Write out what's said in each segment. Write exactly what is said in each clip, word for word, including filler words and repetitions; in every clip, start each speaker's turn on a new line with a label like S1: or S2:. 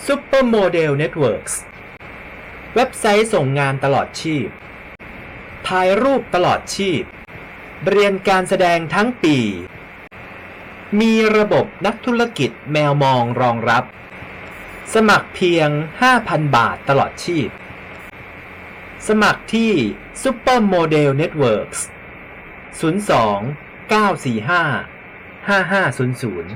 S1: Supermodel Networks เว็บไซต์ส่งงานตลอดชีพถ่ายรูปตลอดชีพเรียนการแสดงทั้งปีมีระบบนักธุรกิจแมวมองรองรับสมัครเพียง ห้าพัน บาทตลอดชีพสมัครที่ Supermodel Networks ศูนย์ สอง เก้า สี่ ห้า ห้า ห้า ศูนย์ ศูนย์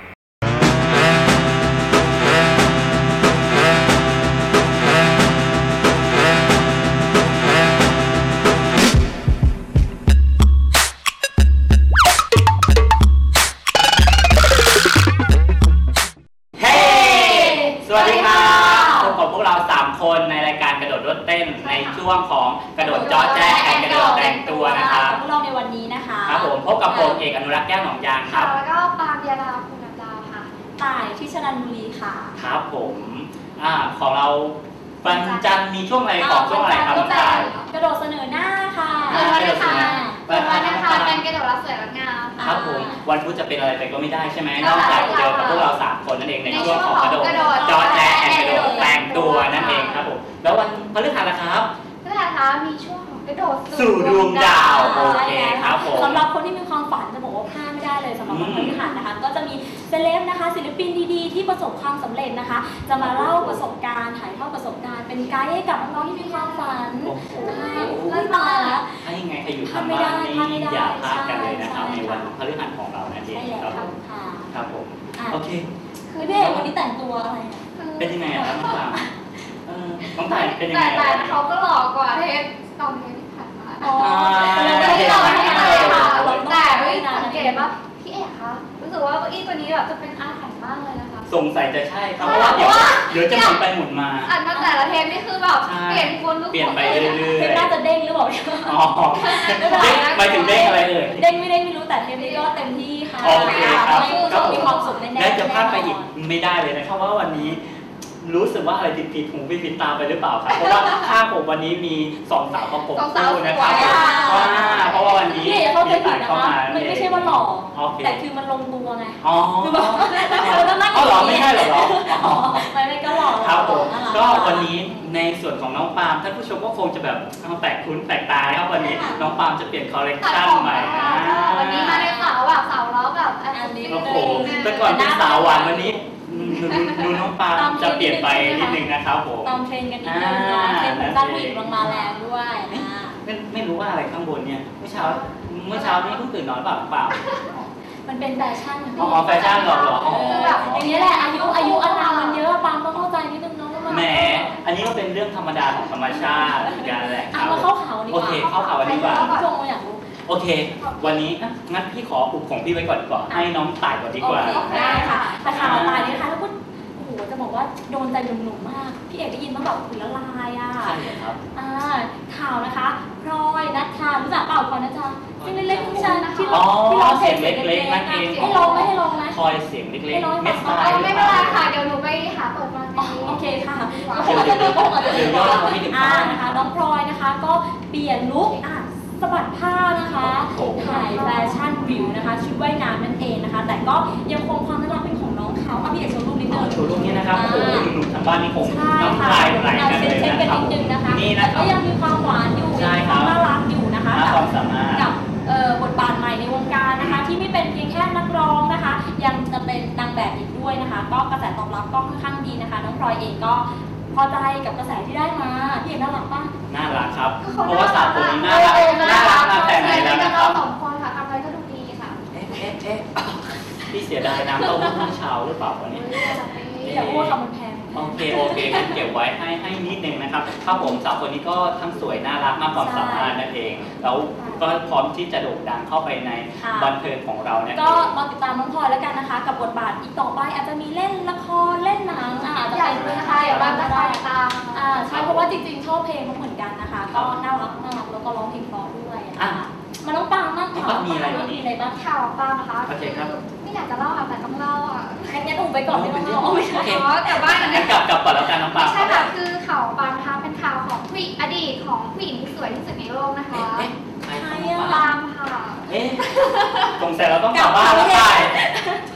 S2: คนในรายการกระโดดรถเต้นในช่วงของกระโดดจอแจ๊แข่งกระโดดแต่งตัวนะคะ
S3: พวกเราในวันนี้นะคะ
S2: ครับผมพบกับผมเอกอนุรักษ์แก้วหนองยางครับ
S4: แล้วก็ปามยาดาคุณดาวค่ะ
S3: ต่ายที่ชนันบุรีค่ะ
S2: ครับผมอ่าของเราวันจันทร์มีช่วงอะไรของช่วงอะไรครับ
S3: ต่ายกระโดดเสนอหน้าค่ะ
S4: วันอังคารวันอังคารเป็นกระโดดรับสวยรับงาม
S2: ครับผมวันพุธจะเป็นอะไรไปก็ไม่ได้ใช่ไหมนอกจากเจอกับพวกเราสามคนนั่นเองในช่วงของกระโดดจอแจ๊แข่งกระโดดแต่งตัวนั่นเองครับผมแล้ววันพฤหัสนะครับ
S4: พฤหัสคะมีช่วงของกระโดด
S2: สู่ดวงดาวโอเคครับผม
S3: สำหรับคนที่มีความฝันจะบอกว่าพลาดไม่ได้เลยสำหรับวันพฤหัสนะคะก็จะมีเซเลบนะคะศิลปินดีๆที่ประสบความสำเร็จนะคะจะมาเล่าประสบการณ์ถ่ายทอดประสบการณ์เป็นไกด์ให้กับน้องๆที่มีความฝัน
S2: ไม่มาแล้วถ้ายังไงใครอยู่ทางบ้านนี่อย่าพลาดกันเลยนะครับในวันพฤหัสของเรานั่นเองครับผมครับผมโอเค
S3: คือพี่เอกวันนี้แต่งตัวอะไร
S2: เป็นยังไงครับน้องตาน้องตาเป็นยังไง
S4: แต่เขาก็หล่อกว่าเทปตอนเทปที่ผ่านมา
S3: อ๋อไม่ได้หล่อไม่ได้ค่ะ
S4: แต่ไม่สังเกตว่าพี่เอกคะรู้สึกว่าเก้าอี้ตัวนี้แบบจะเป็นอาถรรพ์มากเลยนะคะ
S2: สงสัยจะใช่ครับเพราะว่าเดี๋ยวเดี๋ยวจะหมุนไปหมุนมา
S4: อันมาแต่ละเทปนี่คือแบบเปลี่ยนคน
S2: เปลี่ยนไปเรื่อยๆ
S3: เทปน่าจะเด้งหรือเปล่า
S2: อ๋อเด้งไปถึงเด้งอะไรเลย
S3: เด้งไม่เด้งไม่รู้แต่เทปนี้ก็เต็มที่ค่ะ
S2: โอเคครับ
S3: ก็มีความสุขแน่ๆ
S2: และจะพลาดไปอีกไม่ได้เลยนะครับว่าวันนี้รู้สึกว่าอะไรผิดๆหูไม่ผิดตาไปหรือเปล่าครับเพราะว่าข้างผมวันนี้มีสองสาวประกบคู่นะครับว่าเพราะว่าวันนี้
S3: พี่เขาเป็นผิดนะคะไม่ไม่ใช่ว่าหล่อแต่คือมันลงตัวไง
S2: อ๋อ
S3: คือแบบเราต้องนั่ง
S2: อ๋อหรอไม่ใช่หรอ
S3: ไม่ไม่ก็หล่อ
S2: ครับผมก็วันนี้ในส่วนของน้องปาล์มท่านผู้ชมก็คงจะแบบแปลกคุ้นแปลกตาครับวันนี้น้องปาล์มจะเปลี่ยนคอลเลคชั่นใหม่
S4: วันนี้มาในสาวแบบสาวล้อแบบอันนี้
S2: โอ้โหแต่ก่อนเป็นสาวหวานวันนี้ดูน้องปาล์มจะเปลี่ยนไปนิดนึงนะครับผม
S3: ตามเทรนกันนิดนึงนะเทรนด้านผู้หญิงลงมาแรงด้วยนะ
S2: ไม่ไม่รู้ว่าอะไรข้างบนเนี่ยเมื่อเช้าเมื่อเช้านี้เพิ่งตื่นนอนเปล่าเปล่า
S3: มันเป็นแฟชั่น
S2: อ๋อแฟชั่นหรอหรอ
S3: อย่างนี้แหละอายุอายุอานามมันเยอะปาล์มต้องเข้าใจนิดนึงเนาะ
S2: แหมอันนี้ก็เป็นเรื่องธรรมดาของธรรมชาติกันแหละ
S3: ครับมาเข้าข่าวดีกว่า
S2: โอเคเข้าข่าวดีกว่า
S3: ชมอยากรู้
S2: โอเควันนี้งั้นพี่ขออุบของพี่ไว้ก่อนดีกว่าให้น้องต่ายก่อนดีกว่า
S3: ได้ค่ะแต่ข่าวต่ายนี่นะคะแล้วก็โอ้โหจะบอกว่าโดนใจหนุ่มๆมากพี่เอกได้ยินมาแบบขุนละลายอ่ะ
S2: ใช่ครับ
S3: อ่าข่าวนะคะพลอยนัทชารู้จักเปล่าพลอยนัทชาที่เล็กๆที่ฉันที่เราที่เรา
S2: เสียงเล็กๆนั่นเอง
S3: ให้ลองไหมให้ลองไหม
S2: พลอยเสียงเล็กๆไม่
S4: ใช่ไม่เป็นไรค่ะเดี๋ยวหนูไปหาเปิดมา
S3: โอเคค่ะก็คงจะมีก็คงจะมีอ่านะคะน้องพลอยนะคะก็เปลี่ยนลุคอ่ะสะบัดผ้านะคะถ่ายแฟชั่นวิวนะคะชุดว่ายน้ำนั่นเองนะคะแต่ก็ยังคงความน่ารักเป็นของน้องเขาเอาพี่เอกโชว์รูปนิดนึง
S2: โชว์รูปนี้นะครับโอ้โหหนุ่มๆทางบ้านนี่คงน้ำลายไหลกันเลยนะครับ
S3: นี่นะก็ยังมีความหวานอยู่มีความน่ารักอยู่นะคะกับบทบาทใหม่ในวงการนะคะที่ไม่เป็นเพียงแค่นักร้องนะคะยังจะเป็นนางแบบอีกด้วยนะคะก็กระแสตอบรับก็ค่อนข้างดีนะคะน้องพลอยเองก็พอใจกับกระแสที่ได้มาพี่เอกน่ารักป่ะ
S2: น่ารักครับเพราะว่าสาวคนนี้น่ารักน่ารักมาแต่ไหนแล้วนะครับ
S4: สองคนค่ะทำอะไรก็ดูดีค่ะ
S2: เอ๊ะเอ๊ะเอ๊ะพี่เสียดายน้ำเต้าหู้เช้าหรือเปล่าวันนี้
S3: อย่าพูดคำมันแพง
S2: โอเคโอเคเก็บไว้ให้ให้นิดนึงนะครับครับผมสาวคนนี้ก็ทั้งสวยน่ารักมากความสามารถนั่นเองแล้วก็พร้อมที่จะโด่งดังเข้าไปในบันเทิงของเราเนี่ย
S3: ก็มาติดตามน้องพลอยแล้วกันนะคะกับบทบาทอีกต่อไปอาจจะมีเล่นละครเล่นหนังอาจจะเป็น
S4: ใช่บ้างก็ได้ตาม
S3: อ่าใช่เพราะว่าจริงๆชอบเพลงเขาเหมือนกันนะคะก็น่ารักน่ารักแล้วก็ร้องเพลงเพราะด้วยมาน้องปางมาก
S2: ค่ะมีอะไร
S3: มีอะไรบ้าง
S4: ข่าวปางนะคะ
S2: โอเคครับ
S4: ไม่อยากจะเล่าค่ะแต่ต้องเล่าอ่ะ
S3: งั้นงั้นอุ้มไปก่อนไม่ต้องเล่า
S4: โอเคแต่ว่าอันนี้
S2: กลับกลับก่อนแล้วกันน้องปาง
S4: ใช่ค่ะคือข่าวปางนะคะเป็นข่าวของผู้หญิงอดีตของผู้หญิงที่สวยที่สุดในโลกนะคะ
S2: ใคร
S4: ปางค่ะ
S2: เอ๊ะสงสัยเราต้องกลับบ้านแล้วใช่
S4: มี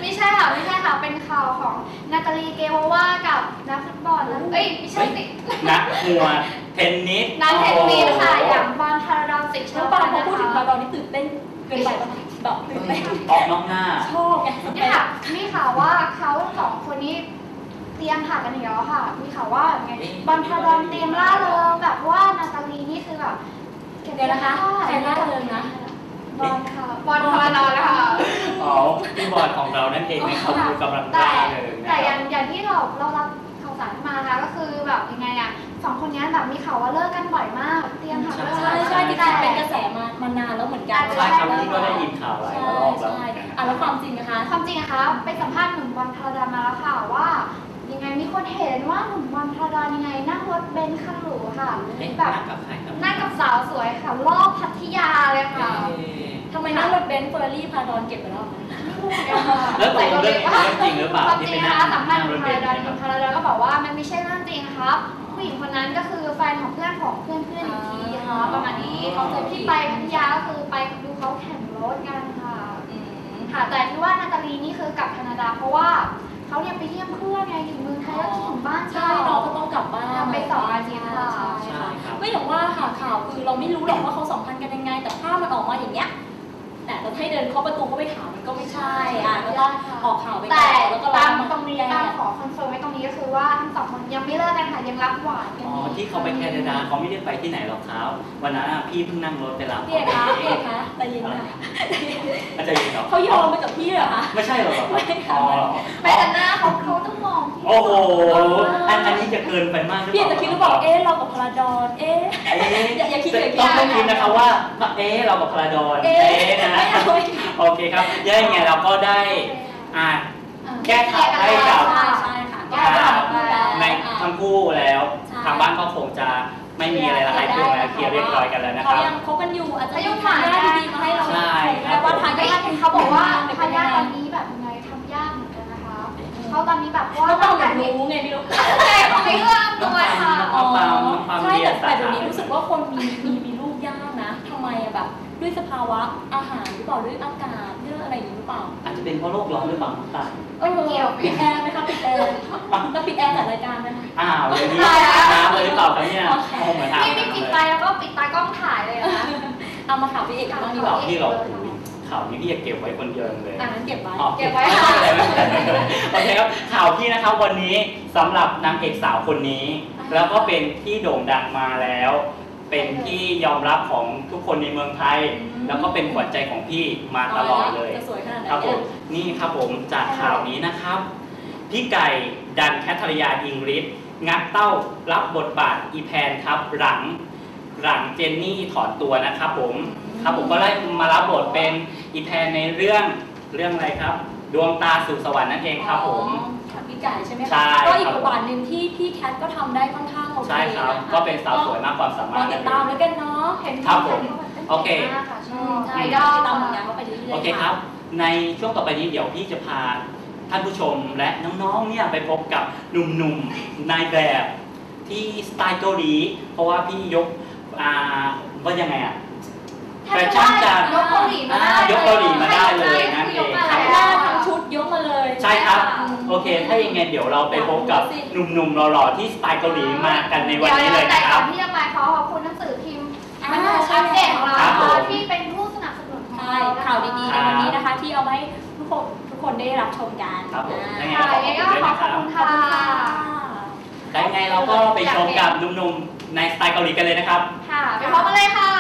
S4: ไม่ใช่ค่ะไม่ใช่ค่ะเป็นข่าวของนาตาลีเกโววากับนักฟุตบอลนะเอ้ยไม่ใช่สิ
S2: นักมวยเทนนิส
S4: นักเทนนิสค่ะอย่างบอลพาราดอนสิช
S3: แล้ว
S4: อบ
S3: บางพอ
S4: นะ
S3: พูดถึง
S4: คะ
S3: พาราดอนนี่ตื่นเต้นเกินไปปะแบบตื่นเต้น
S2: ออกนอกหน้า
S3: ชอบไง
S4: เนี่ยค่ะมีข่าวว่าเขาสองคนนี้เตรียมผ่ากันอีกแล้วค่ะมีข่าวว่าไงบอลพาราดอนเตรียมล่าเริงแบบว่านาตาลีนี่คือแบบ
S3: เดี๋ยวนะคะใครล่าเริงนะ
S4: บอลค่ะบอลพาราดอนนะคะ
S2: อ๋อพี่บอลของเรานั่นเองนะครับดูกำลัง
S4: แต่
S2: ได้เลยนะ
S4: แต่
S2: ค
S4: อ
S2: รั
S4: ย่า
S2: บ
S4: งอย่างที่เราเรารับข่าวสารมานะคะก็คือแบบยังไงอะสองคนนี้แบบมีข่าวว่าเลิกกันบ่อยมากเตรียมหาเลิก
S3: ใช่ใช่จริงๆเป็นกระแสมามานานแล้วเหมือนกัน
S2: ใช่ครับพี่ก็ได้ยินข่าวหลาย
S3: ใช่
S2: รอบแล้ว
S3: ใช่
S2: เหมือนกัน
S3: อ่ะแล้วความจริงนะคะ
S4: ความจริงนะคะไปสัมภาษณ์หนุ่มบอลพาราดอนมาแล้วค่ะว่ายังไงมีคนเห็นว่าหนุ่มบอลพาราดอนยังไงนั่งรถเบนซ์คันหรูค่ะ
S2: เอ๊ะ
S4: แบบ
S2: นั่งกับใครครับ
S4: นั่งกับสาวสวยค่ะรอบพัทยาเลยค่ะ
S2: เอ๊ะ
S3: ทำไมนั่งรถเบนซ์เฟอร์รารี่พาราดอนเก็บไปแล้ว
S2: แล้วตกลงเรื่องนี้เรื่องจริงหรือเปล่า
S4: ความจ
S2: ที่
S4: ริง
S2: ไป
S4: นะ
S2: นั่ง
S4: คะสัมภาษณ์ห
S2: ร
S4: นุ่
S2: ถ
S4: ม
S2: เบ
S4: พาน รา
S2: ซ์
S4: ดอนหนุ่
S2: เนี่ย
S4: มพาราดอนก็บอกว่ามันไม่ใช่เรื่องจริงครับผู้หญิงคนนั้นก็คือแฟนของเพื่อนของเพื่อนเพื่อนอีกทีค่ะประมาณนี้เขาเจอที่ไปพัทยาก็คือไปดูเขาแข่งรถกันค่ะ
S3: อืม
S4: ค่ะแต่ที่ว่านาตาลีนี่คือกลับแคนาดาเพราะว่าเขาเนี่ยไปเยี่ยมเพื่อนไงอยู่เมืองไทยแล้วคิดถึงบ้าน
S3: ใช่น้องก็ต้องกลับบ้าน
S4: ทำไปสองอาทิตย์ค่ะ
S3: ใช่ค่ะก็อย่างว่าค่ะข่าวคือเราไม่รู้หรอกว่าเขาสัมพันธ์กันยังไง แต่ภาพมันออกมาอย่างเงี้ยแต่เราให้เดินเข้าประตูเข้าไปถามมันก็ไม่ใช่อ่ะก็ต้องออกข่าวไปก่
S4: แต่
S3: อนแล้วก็
S4: ตาม
S3: มา
S4: ตรงนี้
S3: แก้
S4: ตามขอคอนเฟิร์มไว้ตรงนี้ก็คือว่าทั้งสองคนยังไม่เลิกกันค่ะยังรับหวานกัน
S2: อ๋อ
S4: อยู่
S2: ที่เขาไปแคนาดาเขาไม่ได้ไปที่ไหนหรอกครับวันนั้นอะพี่เพิ่งนั่งรถไปรับ
S3: พี่เอกคะพี่เอกคะแต่ยินค่ะ
S2: อาจารย์ยินเหรอ
S3: เขายอมไปกับพี่เหรอคะ
S2: ไม่ใช่หรอครับอ๋อ
S4: ไม่แต่หน้าเขาเขาต้องมองที่
S2: โอ้โหอันอันนี้จะเกินไปมากหรือ
S3: พี่
S2: เป
S3: เอก
S2: ล่า
S3: จะคิดหรือเปล่าเอ๊ะเรากับพาราดอนเอ๊ะ
S2: เอ๊ะ
S3: อย่าอย่าคิดอย่างนี้
S2: ต้องต้องคิดนะครับว่าเอ๊ะเรากับพาราดอน
S3: เอ๊ะ
S2: เอ๊ะนะ
S3: ไม่เอาไม่
S2: โอเคครับยังไงเราก็ได้อ่าแก้ข่าวให้กับ
S3: ใช่ใช่ค่ะแก้ข่าวพูดแล้ว
S2: ในทั้งคู่แล้ว
S3: ใช่
S2: ทางบ้านก็คงจะไม่มีอะไรละลายตัวแล้วเคลียร์เรียบร้อยกันแล้วนะค
S3: เขา
S2: รับ
S3: ยังคบกันอยู่อาจจะ
S4: อายุ
S3: ยัง
S4: ผ่าน
S3: ทำ
S4: ได้
S3: ได้ดีๆมาให้เรา
S2: ใช่
S3: ชมแต่ว่าทาย
S4: ไม่
S3: าท
S4: เขาบอกว่า
S3: เป็น
S4: ทายาท
S3: ยัง
S4: ต
S3: ไง
S4: อนนี้แบบยังไงทำยากเหมือนกันนะคะเขาตอนนี้แบบว่า
S3: เขาต้อง
S4: แบ
S3: แบบ
S4: บนี้
S3: รู้ไงไม่รู้
S4: แต่เขาไม่เอื้อมตัวค่ะ
S2: น้องปาล์มน้องปาล์ม
S3: ใช่
S2: เรีย
S3: แต่
S2: น
S3: แต่เดี๋ยวนี้รู้สึกว่าคนมีมีมีลูกยากนะทำไมอะแบบด้วยสภาวะอาหารหรือเปล่าด้วยอากาศเรื่องอะไรอย่างนี้หรือเปล่า
S2: อาจจะเป็นเพราะโลกร้อนหรือเปล่าน้องปาล์ม
S3: เออปิดแอร์ไหมคะปิดแอร์แล้วปิดแอร์จัดรายการไหมคะ
S2: อ้าวอย่างนี้น้ำเลยหรือเปล่าครับเนี่ยโอ้เหมือนถาม
S4: นี่นี่ปิดไฟแล้วก็ปิดตากล้องถ่ายเลยนะ
S3: เอามาข่าวพี่เอกกันบ้างดีก
S2: ข่า
S3: ว่า
S2: วที่เราข่าวนี้พี่จะเก็บไว้คนเดียวเลย
S3: อ่านั้นเก็บไว้
S2: อ๋อ
S4: เก็บไว้ค่ะ
S2: โอเคครับข่าวพี่นะครับวันนี้สำหรับนางเอกสาวคนนี้ แล้วก็เป็นที่โด่งดังมาแล้ว เป็นที่ยอมรับของทุกคนในเมืองไทย แล้วก็เป็นขวัญใจของพี่มาตลอดเลย
S3: จะสวยขนาดไหน
S2: ครับผ
S3: เนี่ย
S2: มนี่ครับผมจากข่าวนี้นะครับ พี่ไก่ดันแคทริยาอิงริสงัดเต้ารับบทบาทอีแพนครับหลังหลังเจนนี่ถอนตัวนะครับผมครับผมก็ได้มารับบทเป็นอีแพนในเรื่องเรื่องอะไรครับ ดวงตาสู่สวรรค์นั่นเองครับผม
S3: อ๋อค่ะพี่ไก่ใช่ไหมคะ
S2: ใช่
S3: ก็อีก
S2: ครับ
S3: บทบาทหนึ่งที่พี่แคทก็ทำได้ค่อนข้างโอเค
S2: ใช่ครับ
S3: นะคะ
S2: ก็เป็นสาวสวยมากความสามาร
S3: ร
S2: ถ
S3: อติดตามแล้วกันเนาะเห็น
S2: ครับผมโอเค
S4: ชอบ
S3: ใช่
S4: ไอ
S3: ติด
S4: ดอล
S3: ตามผลงานเขาไปเรื่อยๆ
S2: โอเคครับ ในช่วงต่อไปนี้เดี๋ยวพี่จะพาท่านผู้ชมและน้องๆเนี่ยไปพบกับหนุ่มๆนายแบบที่สไตล์เกาหลีเพราะว่าพี่ยกอ่าว่ายังไงอะ แฟชั่นจัด
S4: ยกเกาหลีมาได้
S2: อ่ายกเกาหลีมาได้เลยนั่นเอง
S3: ทั้งหน้าทั้งชุดยกมาเลย
S2: ใช่ครับ
S3: อืม
S2: โอเค ถ้าอย่างไงเดี๋ยวเราไปพบกับหนุ่มๆหล่อๆที่สไตล์เกาหลีมากันในวันนี้เลย
S4: แต่
S2: นะค
S4: ก่
S2: รั
S4: อบ นที่จะไปขอขอบคุณหนังสือพิมพ์
S3: อ่า
S4: มันอัปเดตของเรา
S2: ครับ
S4: นะ
S2: ผ
S4: คะ
S2: ม
S4: ที่เป็นผู้สนับสนุนของ
S3: ใช่
S4: เรา
S3: ข่าวดีๆในวันนี้นะคะ ที่เอามาให้ทุกคนทุกคนได้รับชมกัน
S2: ครับผม
S3: อ่า
S2: ยังไง
S4: ค่ะยังไงก็ขอขอบคุณ
S3: ขอบ
S4: ค่ะ
S3: คุณค่ะ
S2: ได้ไงเราก็ไปชมกับหนุ่มๆในสไตล์เกาหลีกันเลยนะครับ
S4: ค่ะไปพบกันเลยค่ะ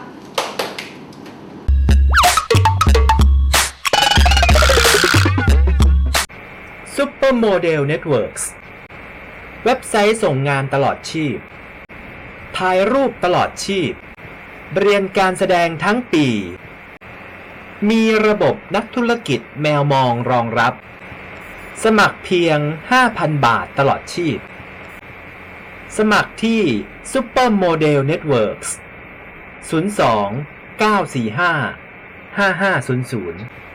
S1: Supermodel Networks เว็บไซต์ส่งงานตลอดชีพ ถ่ายรูปตลอดชีพ เรียนการแสดงทั้งปี มีระบบนักธุรกิจแมวมองรองรับ สมัครเพียง ห้าพัน บาทตลอดชีพ สมัครที่ Supermodel Networks ศูนย์ สอง เก้า สี่ ห้า ห้า ห้า ศูนย์ ศูนย์